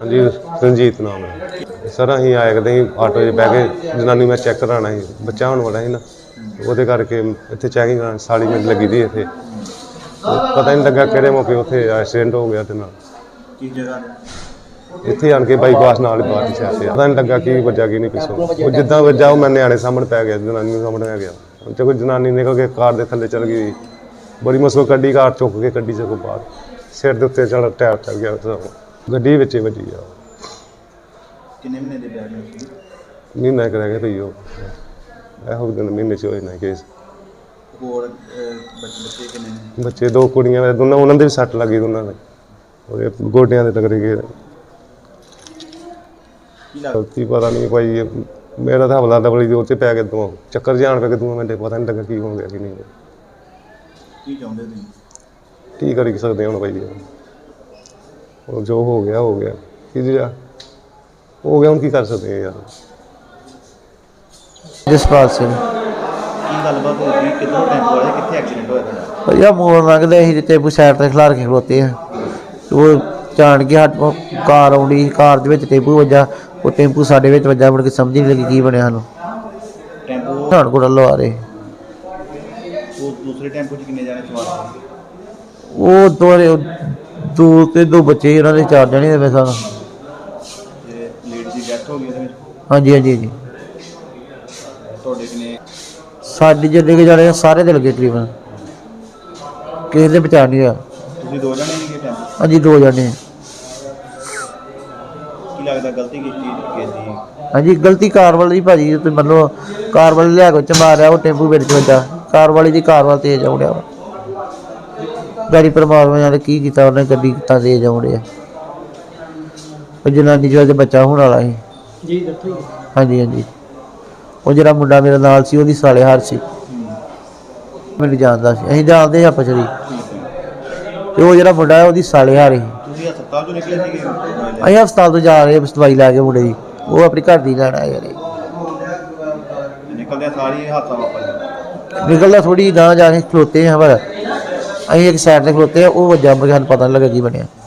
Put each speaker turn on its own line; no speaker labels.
जी रंजीत नाम है सर। अं आए कदें आटो बह के जनानी मैं चैक कराना ही बच्चा होने वाला ही ना वो करके इतने चैकिंग करानी साड़ी मेरी लगी थी इतने पता नहीं लगा कि मौके उत्थे एक्सीडेंट हो गया इतने आन के बाईपास नाल बाहर शहर से पता नहीं लगा कि वजह की नहीं पिछों वो जिदा वजह वो मैं न्याणे सामने पै गया जनानी सामने पै गया तो कोई जनानी निकल के कार के थले चल गई बड़ी मुश्किल कड्डी कार चुक के कड्डी से बाहर सिर के उत्ते चल टायर चल गया गड्डी विच वजी आ। महीना एक रह गया भई ਇਹੋ दिन महीने हो जाना केस। बच्चे दो कुड़ियां दोनों उन्होंने भी सट लगी दोनों ने गोडियां दे टकरे गए गलती पता नहीं भाई मेरा तो हवला दबली उसे पै गए दो चक्कर जान पे 2 मिनट पता नहीं लगा की हो गया कि नहीं की करी सकते हम भाई और जो हो गया कि हो गया हम की कर सकते हैं यार।
जसपाल सिंह भैया मोड़ लंघते ही टेंपू साइड से खिलार के खलोते हैं वो जान के हट कार आउंदी कार टेंपू वजा वो टेंपू साडे विच वजा मुड़ के समझ नहीं लगी की बनया सानूं पठानकोट वालों आ रहे वो दो बच्चे उन्होंने 4 जने मेरे साथ। हाँ जी हाँ जी जी साडी जिन्ने के जाने सारे दे लगे तकरीबन किसी ने बचा नहीं होया। हाँ जी 2 जने। हाँ जी गलती कार वाली भाजी तो मतलब कार वाले लिया के मारिया वो टेंपू बिच वजा कार वाली जी कार वाल तेज आउंडिया गाड़ी परमात्मा जाने की कीता उन्हें गड्डी कितना तेज आउंडिया जनानी जो बच्चा होने वाला ही। हाँ जी हाँ जी वो जरा मुंडा मेरे नाल सी ओहदी साले हार सी मैनूं जानदा सी असीं जानदे आपस च वो जरा मुंडा है ओहदी साले हार ही असीं हस्पताल तो जा रहे दवाई लै के मुंडे दी वो अपनी घर दी लैन आए यार निकलदा थोड़ी गांह जाके खलोते हैं पर असीं एक साइड ते खलोते हैं वो वज्जा सानूं पता नहीं लगा की बनेआ।